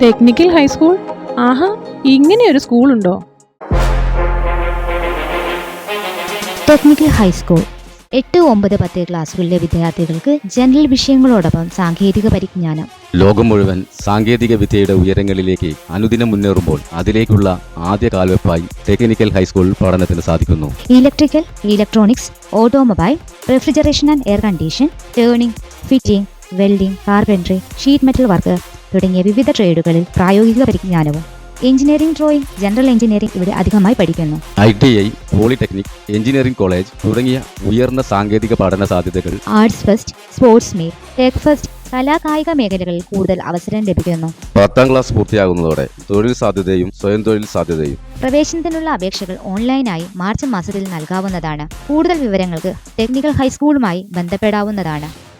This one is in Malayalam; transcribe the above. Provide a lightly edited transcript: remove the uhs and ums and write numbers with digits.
Technical high school? ആഹാ, ഇങ്ങനെയൊരു സ്കൂളുണ്ടോ? ടെക്നിക്കൽ ഹൈസ്കൂൾ 8, 9, 10 ക്ലാസ്സുകളിലെ വിദ്യാർത്ഥികൾക്ക് ജനറൽ വിഷയങ്ങളോടൊപ്പം സാങ്കേതിക പരിജ്ഞാനം. ലോകം മുഴുവൻ സാങ്കേതിക വിദ്യയുടെ ഉയരങ്ങളിലേക്ക് അനുദിനം മുന്നേറുമ്പോൾ അതിലേക്കുള്ള ആദ്യ കാൽവെപ്പായി ടെക്നിക്കൽ ഹൈസ്കൂൾ പഠനത്തിന് സാധിക്കുന്നു. Electrical, electronics, automobile, refrigeration and air condition, turning, fitting, welding, carpentry, sheet metal work തുടങ്ങിയ വിവിധ ട്രേഡുകളിൽ പ്രായോഗിക പരിജ്ഞാനവും. എഞ്ചിനീയറിംഗ്, ഡ്രോയിംഗ്, ജനറൽ എഞ്ചിനീയറിംഗ് ഇവിടെ അധികമായി പഠിക്കുന്നു. ITI, പോളിടെക്നിക്, എഞ്ചിനീയറിംഗ് കോളേജ് തുടങ്ങിയ ഉയർന്ന സാങ്കേതിക പഠന സാധ്യതകൾ. Arts fest, sports meet, tech fest, കലാകായിക മേഖലകളിൽ കൂടുതൽ അവസരം ലഭിക്കുന്നു. 10ാം ക്ലാസ് പൂർത്തിയാകുന്നതോടെ തൊഴിൽ സാധ്യതയും സ്വയം തൊഴിൽ സാധ്യതയും. പ്രവേശനത്തിനുള്ള അപേക്ഷകൾ ഓൺലൈനായി മാർച്ച് മാസത്തിൽ നൽകാവുന്നതാണ്. കൂടുതൽ വിവരങ്ങൾക്ക് ടെക്നിക്കൽ ഹൈസ്കൂളുമായി ബന്ധപ്പെടാവുന്നതാണ്.